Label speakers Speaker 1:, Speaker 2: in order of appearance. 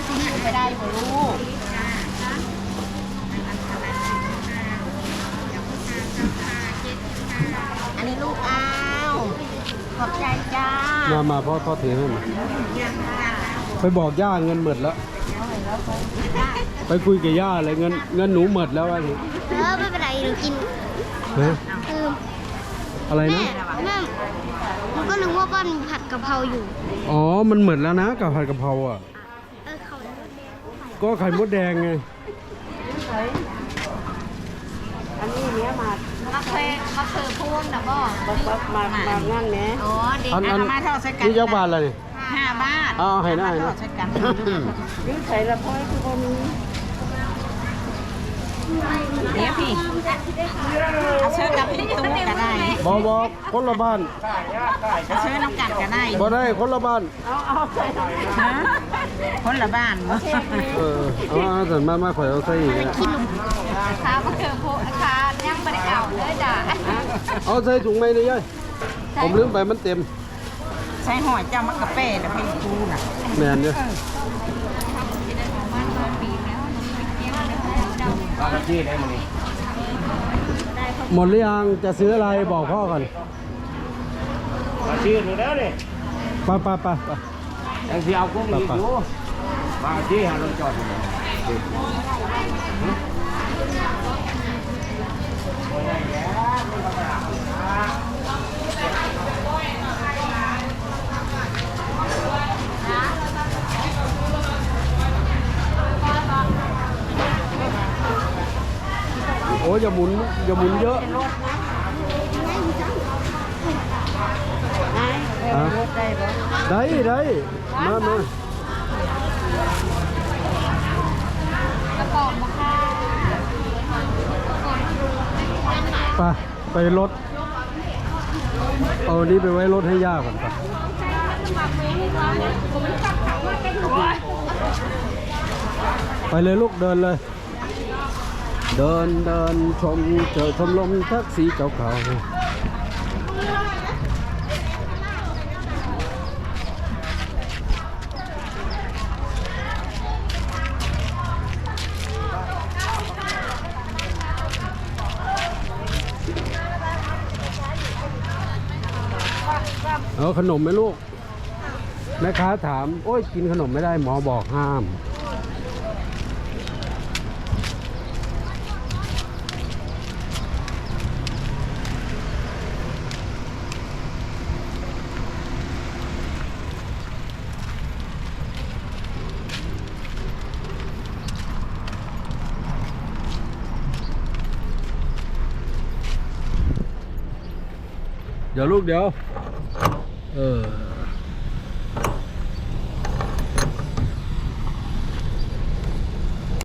Speaker 1: ไปได้บ่ลูกอันนี้ลูกอ้าวขอบใจจ้า
Speaker 2: มาพ่อถือให้มาไปบอกย่าเงินหมดแล้วไปคุยกับย่าเลยเงินหนูหมดแล้วอะไร
Speaker 3: ไม่เป็นไรหนูกิน
Speaker 2: อะไรนะ
Speaker 3: แม่ก็นึกว่าบ้านผัดกะเพราอยู่
Speaker 2: อ๋อมันหมดแล้วนะกับผัดกะเพราอ่ะก็ไข่มดแดงไง
Speaker 1: อันนี้เนี้ยมา
Speaker 3: พูนนะบ่
Speaker 1: มางั้นแหม
Speaker 3: อ๋อเด็ก
Speaker 1: มาเท่าใส่กัน
Speaker 2: นี่ยักษ์บาทอะไร
Speaker 1: 5 บาท
Speaker 2: ให้นะ
Speaker 1: ใส่กันยืดใส่ละพ่อยคือบ่มีเดี๋ยวพี่เอาเชิญกับพี่ตู้ก็ได้
Speaker 2: บอกคนละบ้าน
Speaker 1: เอาเชิญน้ำกันก็ได้
Speaker 2: บ่ได้คนละบ้าน
Speaker 1: เอาใส่คนละบ้าน
Speaker 2: แต่มาข่อยเอาใส่อีก
Speaker 3: ขาก็เจอโพขาย่างบริเอาเลยจ้ะ
Speaker 2: เอาใส่ถุงไหมเลยย่อยผมลืมไปมันเต็ม
Speaker 1: ใส่หอยเจ้ามะกะเป้แล้วพี่ตู้น่ะ
Speaker 2: แมนเนี่ยหมดหรือยังจะซื้ออะไรบอกพ่อก่อน
Speaker 4: มาชื่อหนูแล้วดิ
Speaker 2: ไป
Speaker 4: ยังที่เอากุ้งอีกอยู่มาที่หาเราจอด
Speaker 2: โอ้อย่าหมุนเยอะได้มาไปรถเอานี้ไปไว้รถให้ย่าก่อนไปเลยลูกเดินเลยเดินชมชมลมแท็กซี่เก่าๆเอาขนมไหมลูกแม่ค้าถามโอ้ยกินขนมไม่ได้หมอบอกห้ามเดี๋ยวลูกเดี๋ยว